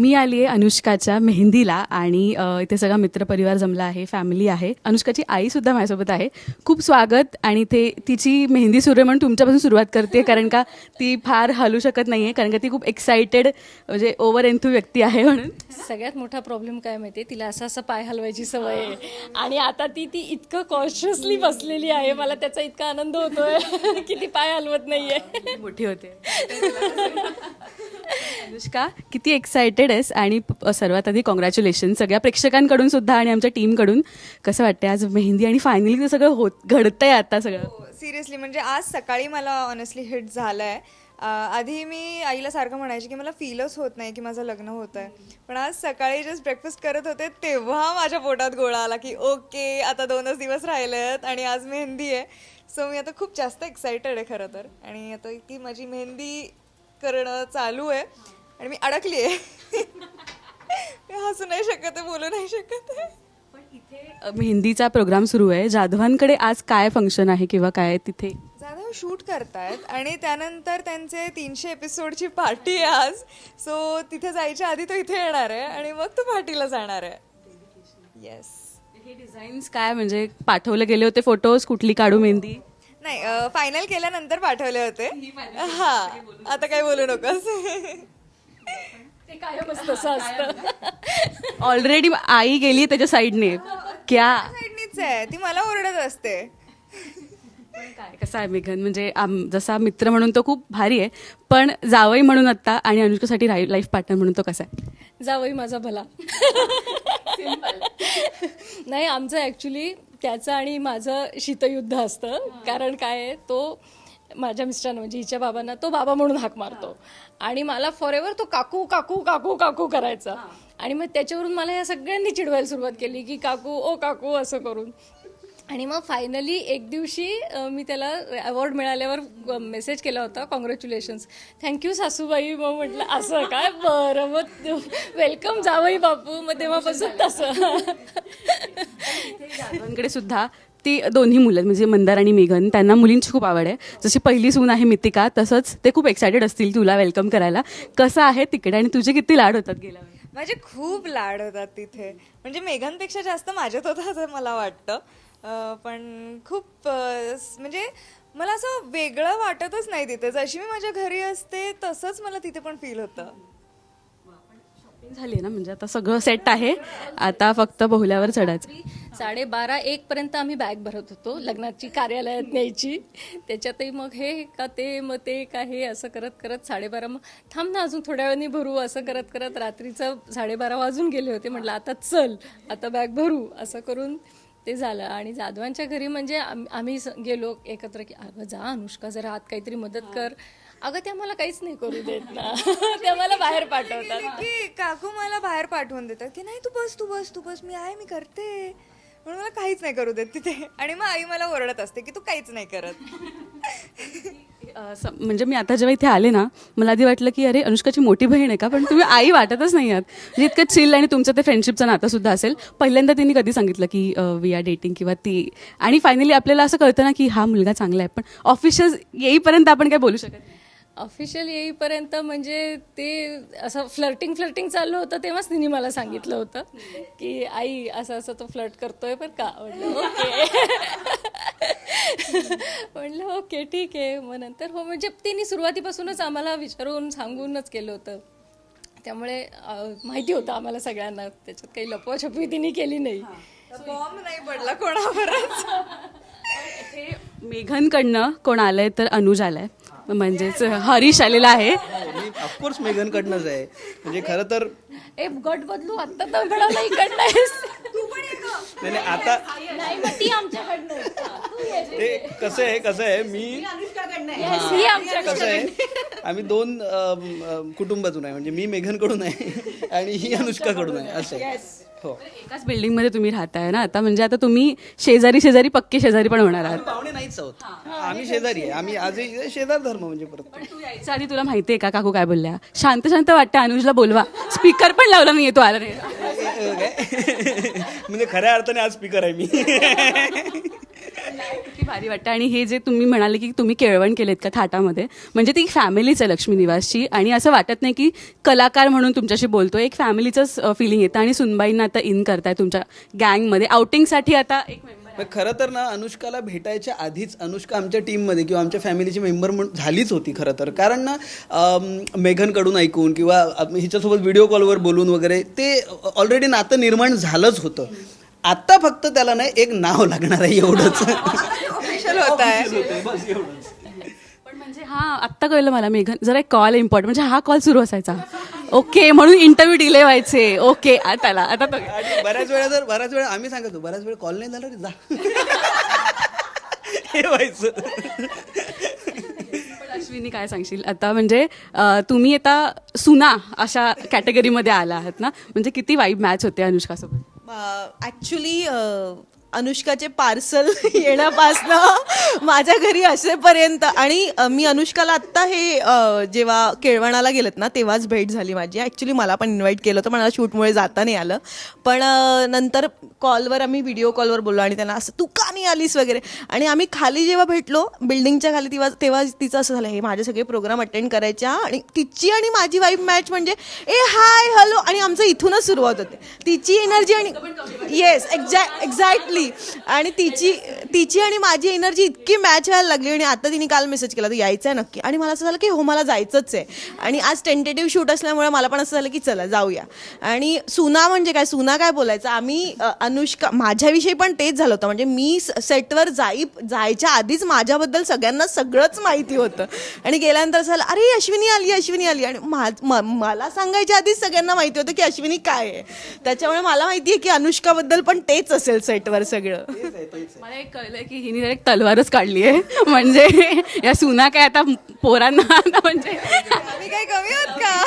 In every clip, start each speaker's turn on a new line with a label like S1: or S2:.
S1: मी आली आहे अनुष्काच्या मेहंदीला आणि इथे सगळा मित्रपरिवार जमला आहे, फॅमिली आहे. अनुष्काची आईसुद्धा माझ्यासोबत आहे. खूप स्वागत. आणि ते तिची मेहंदी सुरू आहे म्हणून तुमच्यापासून सुरुवात करते, कारण का ती फार हलू शकत नाही आहे, कारण का ती खूप एक्सायटेड म्हणजे ओव्हर एन्थू व्यक्ती आहे. म्हणून
S2: सगळ्यात मोठा प्रॉब्लेम काय माहिती आहे, तिला असं पाय हलवायची सवय आहे आणि आता ती इतकं कॉन्शियसली बसलेली आहे, मला त्याचा इतका आनंद होतोय की ती पाय हलवत नाहीये.
S1: मोठी होते. अनुष्का, किती एक्सायटेड आहेस? आणि सर्वात आधी कॉंग्रॅच्युलेशन सगळ्या प्रेक्षकांकडून सुद्धा आणि आमच्या टीमकडून. कसं वाटतंय आज मेहंदी आणि फायनली ते सगळं घडतंय आता सगळं?
S3: सिरियसली म्हणजे आज सकाळी मला ऑनेस्टली हिट झालं आहे. आधी मी आईला सारखं म्हणायचे की मला फीलच होत नाही की माझं लग्न होतं आहे, पण आज सकाळी जस्ट ब्रेकफास्ट करत होते तेव्हा माझ्या पोटात गोळा आला की ओके, आता 2च दिवस राहिले आहेत आणि आज मेहंदी आहे. सो मी आता खूप जास्त एक्सायटेड आहे खरं तर. आणि आता की माझी मेहंदी करणं चालू आहे आणि मी अडकली आहे. मी हसू नाही शकत आहे, बोलू नाही शकत आहे.
S1: पण इथे मेहंदीचा प्रोग्राम सुरू आहे. जाधवांकडे आज काय फंक्शन आहे किंवा काय तिथे?
S3: जाधव शूट करतायत आणि त्यानंतर त्यांचे 300 एपिसोडची पार्टी आहे आज. सो तिथे जायच्या आधी तो इथे येणार आहे आणि मग तो पार्टीला जाणार आहे. येस.
S1: हे डिझाईन्स काय म्हणजे पाठवले गेले होते फोटोज? कुठली काढू मेहंदी?
S3: नाही, फायनल केल्यानंतर पाठवले होते. हा, आता काही बोलू नकोस.
S2: ते कायमच तसं असतं.
S1: ऑलरेडी आई गेली त्याच्या साईडने. क्या
S3: साईडनीच आहे ती, मला ओरडत असते.
S1: काय कसं आहे मेघन, म्हणजे जसा मित्र म्हणून तो खूप भारी आहे, पण जावई म्हणून आत्ता आणि अनुष्कासाठी लाईफ पार्टनर म्हणून तो कसा आहे?
S2: जावई माझा भला. नाही, आमचं ॲक्च्युली त्याचं आणि माझं शीतयुद्ध असतं. कारण काय आहे, तो माझ्या मिस्टरांना म्हणजे हिच्या बाबांना तो बाबा म्हणून हाक मारतो आणि मला फॉरएव्हर तो काकू काकू काकू काकू करायचा. आणि मग त्याच्यावरून मला या सगळ्यांनी चिडवायला सुरुवात केली की काकू ओ काकू असं करून. आणि मग फायनली एक दिवशी मी त्याला अवॉर्ड मिळाल्यावर मेसेज केला होता, कॉंग्रॅच्युलेशन्स, थँक्यू सासूबाई. मग म्हटलं असं काय, बरं मग वेलकम जावई बापू. मग तेव्हापासून तसं.
S1: जाधवांकडे सुद्धा ती दोन्ही मुलं म्हणजे मंदार आणि मेघन, त्यांना मुलींची खूप आवड आहे. जशी पहिली सून आहे मितिका, तसंच ते खूप एक्सायटेड असतील तुला वेलकम करायला. कसं आहे तिकडे आणि तुझे किती लाड होतात गेल्या वेळी?
S3: माझे खूप लाड होतात तिथे, म्हणजे मेघांपेक्षा जास्त माझ्यात होतं असं मला वाटतं. पण खूप म्हणजे मला असं वेगळं वाटतच नाही तिथे. जशी मी माझ्या घरी असते तसंच मला तिथे पण फील होतं.
S1: झाली ना, म्हणजे आता सगळं सेट आहे, आता फक्त बोहल्यावर चढायचं.
S2: 12:30-1 पर्यंत आम्ही बॅग भरत होतो लग्नाची, कार्यालयात न्यायची. त्याच्यातही मग हे का ते, मग ते का हे, असं करत करत 12:30, मग थांब ना अजून थोड्या वेळाने भरू, असं करत करत रात्रीचं 12:30 वाजून गेले होते. म्हटलं आता चल, आता बॅग भरू, असं करून ते झालं. आणि जाधवांच्या घरी म्हणजे आम्ही गेलो एकत्र की अगं जा अनुष्का, जरा आत काहीतरी मदत कर. अगं त्या मला काहीच नाही करू देत ना. त्या मला बाहेर पाठवतात
S3: की काकू मला बाहेर पाठवून देतात की नाही, तू बस तू बस तू बस, मी आहे, मी करते, म्हणून मला काहीच नाही करू देत तिथे. आणि मग आई मला ओरडत असते की तू काहीच नाही करत.
S1: म्हणजे मी आता जेव्हा इथे आले ना, मला आधी वाटलं की अरे अनुष्काची मोठी बहीण आहे का, पण तुम्ही आई वाटतच नाही आहात. म्हणजे इतकं चिल आणि तुमचं ते फ्रेंडशिपचं नातं सुद्धा असेल. पहिल्यांदा तिने कधी सांगितलं की वी आर डेटिंग किंवा ती, आणि फायनली आपल्याला असं कळतं ना की हा मुलगा चांगला आहे, पण ऑफिशियल येईपर्यंत आपण काय बोलू शकत नाही.
S2: ऑफिशियल येईपर्यंत म्हणजे ते असं फ्लर्टिंग चाललं होतं, तेव्हाच तिने मला सांगितलं होतं की आई असं असं तो फ्लर्ट करतोय पण का. म्हटलं ओके. म्हटलं ओके ठीक आहे. मग नंतर हो, म्हणजे तिने सुरुवातीपासूनच आम्हाला विचारून सांगूनच केलं होतं, त्यामुळे माहिती होतं आम्हाला सगळ्यांना. त्याच्यात काही लपवाछपवी तिने केली नाही.
S3: बॉम्ब नाही पडला कोणावरच.
S1: मेघनकडनं कोण आलंय तर अनुज आलाय, म्हणजेच हरीश आलेला आहे.
S4: मी ऑफकोर्स मेघनकडनंच आहे. म्हणजे खरं तर
S2: ए गट बदलू आत्ता तर घडाला इकडनं.
S4: नाही आता
S2: नाही मग ती आमच्याकडनं.
S4: ते कसं आहे मी कसं आहे, आम्ही 2 कुटुंबातून आहे. म्हणजे मी मेघनकडून आहे आणि ही अनुष्काकडून आहे, असं आहे. हो,
S1: एकाच बिल्डिंगमध्ये तुम्ही राहताय ना आता, म्हणजे आता तुम्ही शेजारी पक्के शेजारी पण होणार आहात.
S4: पाहुणे नाहीच आहोत, आम्ही शेजारी आहे. आम्ही आजही शेजार धर्म म्हणजे परत.
S1: तू यायच्या आधी तुला माहितीये का काकू काय बोलल्या? शांत वाटतं, अनुजला बोलवा. स्पीकर पण लावला नाहीये, तो आला नाही.
S4: म्हणजे खऱ्या अर्थाने आज स्पीकर आहे मी.
S1: किती भारी वाटतं. आणि हे जे तुम्ही म्हणाले की तुम्ही केळवण केलेत का थाटामध्ये, म्हणजे ती फॅमिलीच आहे लक्ष्मी निवासची. आणि असं वाटत नाही की कलाकार म्हणून तुमच्याशी बोलतोय, एक फॅमिलीचंच फिलिंग येतं. आणि सुनबाईंना आता इन करताय तुमच्या गँगमध्ये, आउटिंगसाठी आता एक मेंबर.
S4: पण खरं तर ना अनुष्काला भेटायच्या आधीच अनुष्का आमच्या टीममध्ये किंवा आमच्या फॅमिलीची मेंबर म्हणून झालीच होती खरं तर. कारण ना मेघनकडून ऐकून किंवा हिच्यासोबत व्हिडिओ कॉलवर बोलून वगैरे ते ऑलरेडी नातं निर्माण झालंच होतं. आता फक्त त्याला नाही एक नाव लागणार आहे एवढंच.
S3: ऑफिशियल होत आहे.
S1: पण म्हणजे आत्ता कळलं मला मेघन, जरा एक कॉल इम्पॉर्टंट, म्हणजे हा कॉल सुरू असायचा. ओके, म्हणून इंटरव्ह्यू डिले व्हायचे. ओके, आता
S4: आणि बऱ्याच वेळा आम्ही सांगतो, बऱ्याच वेळ कॉल नाही झाला रे, जा. हे व्हायचं.
S1: पण अश्विनी काय सांगशील आता, म्हणजे तुम्ही आता सुना अशा कॅटेगरीमध्ये आला आहात ना, म्हणजे किती वाईब मॅच होते अनुष्कासोबत?
S5: ॲक्च्युली अनुष्काचे पार्सल येण्यापासनं माझ्या घरी असेपर्यंत, आणि मी अनुष्काला आत्ता हे जेव्हा केळवणाला गेलेत ना तेव्हाच भेट झाली माझी. ॲक्च्युली मला पण इन्व्हाइट केलं होतं, पण मला शूटमुळे जाता नाही आलं. पण नंतर कॉलवर आम्ही व्हिडिओ कॉलवर बोललो आणि त्यांना असं तू का नाही आलीस वगैरे. आणि आम्ही खाली जेव्हा भेटलो बिल्डिंगच्या खाली, तेव्हा तिचं असं झालं, हे माझे सगळे प्रोग्राम अटेंड करायच्या आणि तिची आणि माझी वाईफ मॅच म्हणजे ए हाय हॅलो, आणि आमचं इथूनच सुरुवात होते. तिची एनर्जी आणि येस एक्झॅक्टली, आणि तिची आणि माझी एनर्जी इतकी मॅच व्हायला लागली. आणि आता तिने काल मेसेज केला, तर यायचं आहे नक्की. आणि मला असं झालं की हो, मला जायचंच आहे. आणि आज टेंटेटिव्ह शूट असल्यामुळे मला पण असं झालं की चला जाऊया. आणि सुना म्हणजे काय, सुना काय बोलायचं. आम्ही अनुष्का, माझ्याविषयी पण तेच झालं होतं. म्हणजे मी सेटवर जायच्या आधीच माझ्याबद्दल सगळ्यांना सगळंच माहिती होतं. आणि गेल्यानंतर असं झालं, अरे अश्विनी आली. आणि मला सांगायच्या आधीच सगळ्यांना माहिती होतं की अश्विनी काय आहे. त्याच्यामुळे मला माहिती आहे की अनुष्काबद्दल पण तेच असेल सेटवर सगळं.
S1: मला एक कळलंय की हिने एक तलवारच काढली आहे. म्हणजे या सुना काय आता पोरांना म्हणजे
S3: आम्ही काय कमी आहोत का?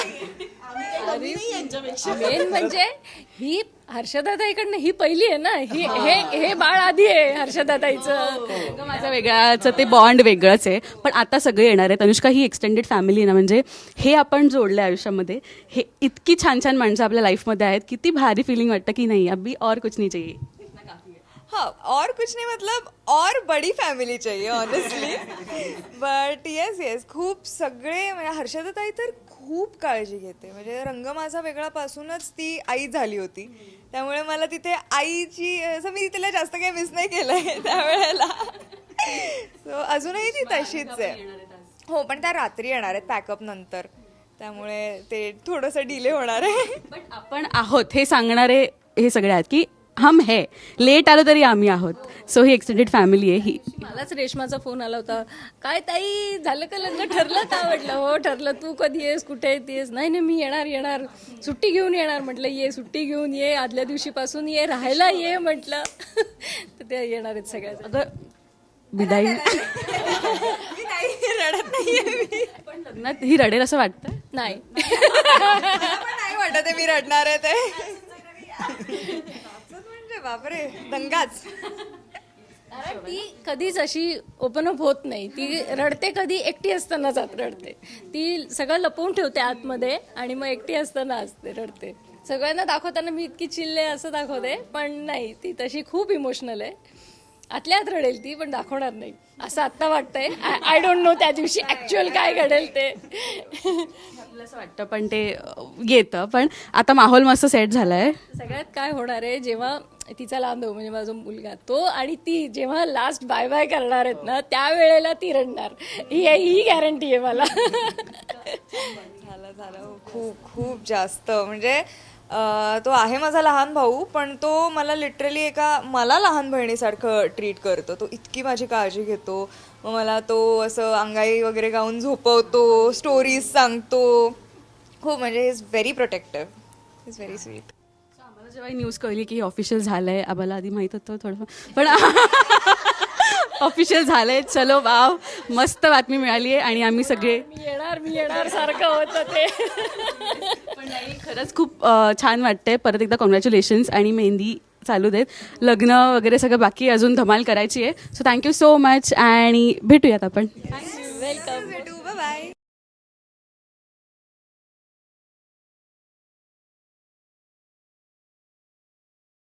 S2: मेन म्हणजे ही हर्षदाताईकडनं ही पहिली आहे ना, हे बाळ आधी आहे हर्षदाताईचं.
S1: माझं वेगळाचं ते बॉन्ड वेगळंच आहे. पण आता सगळे येणार आहेत. अनुष्का ही एक्सटेंडेड फॅमिली आहे ना, म्हणजे हे आपण जोडलं आयुष्यामध्ये. हे इतकी छान छान माणसं आपल्या लाईफमध्ये आहेत, किती भारी फिलिंग वाटतं की नाही अभी और कुछ नहीं चाहिए.
S3: हाँ, और कुछ नहीं, मतलब और बड़ी फॅमिली चाहिए ऑनेस्टली. बट येस खूप सगळे, म्हणजे हर्षदाताई तर खूप काळजी घेते. म्हणजे रंग माझा वेगळा पासूनच ती आई झाली होती. त्यामुळे मला तिथे आईची, असं मी तिला जास्त काही मिस नाही केलंय त्यावेळेला. सो अजूनही ती तशीच आहे. हो, पण त्या रात्री येणार आहेत पॅकअप नंतर, त्यामुळे ते थोडंसं डिले होणार आहे.
S1: पण आपण आहोत हे सांगणारे हे सगळे आहेत की हम है, लेट आलो तरी आम्ही आहोत. सो ही एक्सटेंडेड फॅमिली आहे ही.
S2: मलाच रेशमाचा फोन आला होता, काय ताई झालं का लग्न, ठरलं का? म्हटलं हो ठरलं. तू कधी येस, कुठे येतेस? नाही मी येणार, सुट्टी घेऊन येणार. म्हटलं ये, सुट्टी घेऊन ये, आदल्या दिवशीपासून ये, राहायला ये म्हटलं. तर ते येणार आहेत सगळ्या.
S1: अगं विदाई
S3: रडत नाहीये.
S1: पण लग्नात ही रडेल असं वाटतं?
S2: नाही.
S3: नाही वाटत आहे मी रडणार आहे ते. म्हणजे बापरे, दंगाच.
S2: कारण ती कधीच अशी ओपन अप होत नाही. ती रडते कधी एकटी असताना जात रडते. ती सगळं लपवून ठेवते आतमध्ये आणि मग एकटी असताना असते रडते. सगळ्यांना दाखवताना मी इतकी चिल्ले असं दाखवते, पण नाही, ती तशी खूप इमोशनल आहे. आतल्या आत रडेल ती, पण दाखवणार नाही असं आत्ता वाटतंय. आय डोंट नो त्या दिवशी ऍक्च्युअल काय घडेल ते.
S1: आपलं असं वाटतं, पण ते येतं. पण आता माहोल मस्त सेट झालाय.
S2: सगळ्यात काय होणार आहे, जेव्हा तिचा लांब म्हणजे माझा मुलगा तो आणि ती जेव्हा लास्ट बाय बाय करणार आहेत ना, त्यावेळेला ती रडणार. ही गॅरंटी आहे मला.
S3: झालं खूप जास्त. म्हणजे तो आहे माझा लहान भाऊ, पण तो मला लिटरली मला लहान बहिणीसारखं ट्रीट करतो. तो इतकी माझी काळजी घेतो. मग मला तो असं अंगाई वगैरे गाऊन झोपवतो, स्टोरीज सांगतो. हो, म्हणजे is very protective, is very sweet.
S1: आम्हाला जेव्हा न्यूज कळली की ऑफिशियल झालंय, आम्हाला आधी माहित होतं थोडं, पण ऑफिशियल झालंय. चलो वाव, मस्त बातमी मिळाली आहे. आणि आम्ही सगळे
S2: मी येणार सारखं होतं ते.
S1: पण नाही, खरंच खूप छान वाटतंय. परत एकदा कॉंग्रॅच्युलेशन्स. आणि मेहंदी चालू देत, लग्न वगैरे सगळं बाकी अजून धमाल करायची आहे. सो थँक्यू सो मच आणि भेटूयात आपण.
S2: वेलकम.